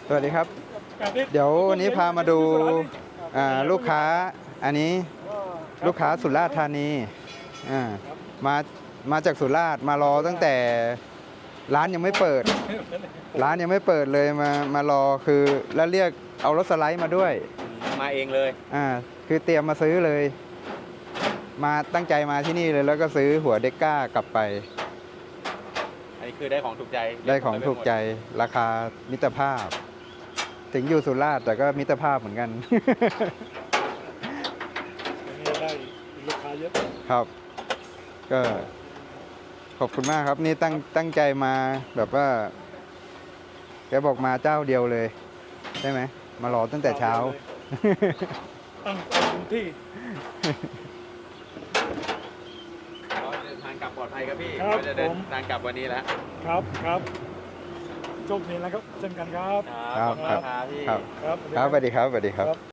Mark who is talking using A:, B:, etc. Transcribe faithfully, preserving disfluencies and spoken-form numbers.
A: สวัสดีครับเดี๋ยววันนี้พามาดูลูกค้าอันนี้ลูกค้าสุราษฎร์ธานีมามาจากสุราษฎร์มารอตั้งแต่ร้านยังไม่เปิดร้านยังไม่เปิดเลยมามารอคือแล้วเรียกเอารถสไลด์มาด้วย
B: มาเองเลย
A: อ่าคือเตรียมมาซื้อเลยมาตั้งใจมาที่นี่เลยแล้วก็ซื้อหัวเด็กก้ากลับไป
B: อันนี้คือได้ของถูกใจ
A: ได้ของถูกใจราคามิตรภาพถึงอยู่สุราษฎร์แต่ก็มิตรภาพเหมือนกัน
C: ได้ลูกค้าเยอะ
A: ครับก็ขอบคุณมากครับนี่ตั้งตั้งใจมาแบบว่าแกบอกมาเจ้าเดียวเลยใช่ไหมมารอตั้งแต่เช้า
C: ตั้งที่
B: เดินทางกลับปลอดภัยครับพี่
C: ก็
B: จะเดินทางกลับวันนี้แล้ว
C: ครับครับโชคดีแล้วครับเช่นกันครับ
A: ครับครับ
B: พี่
A: ครับครับสวัสดีครับสวัสดีครับ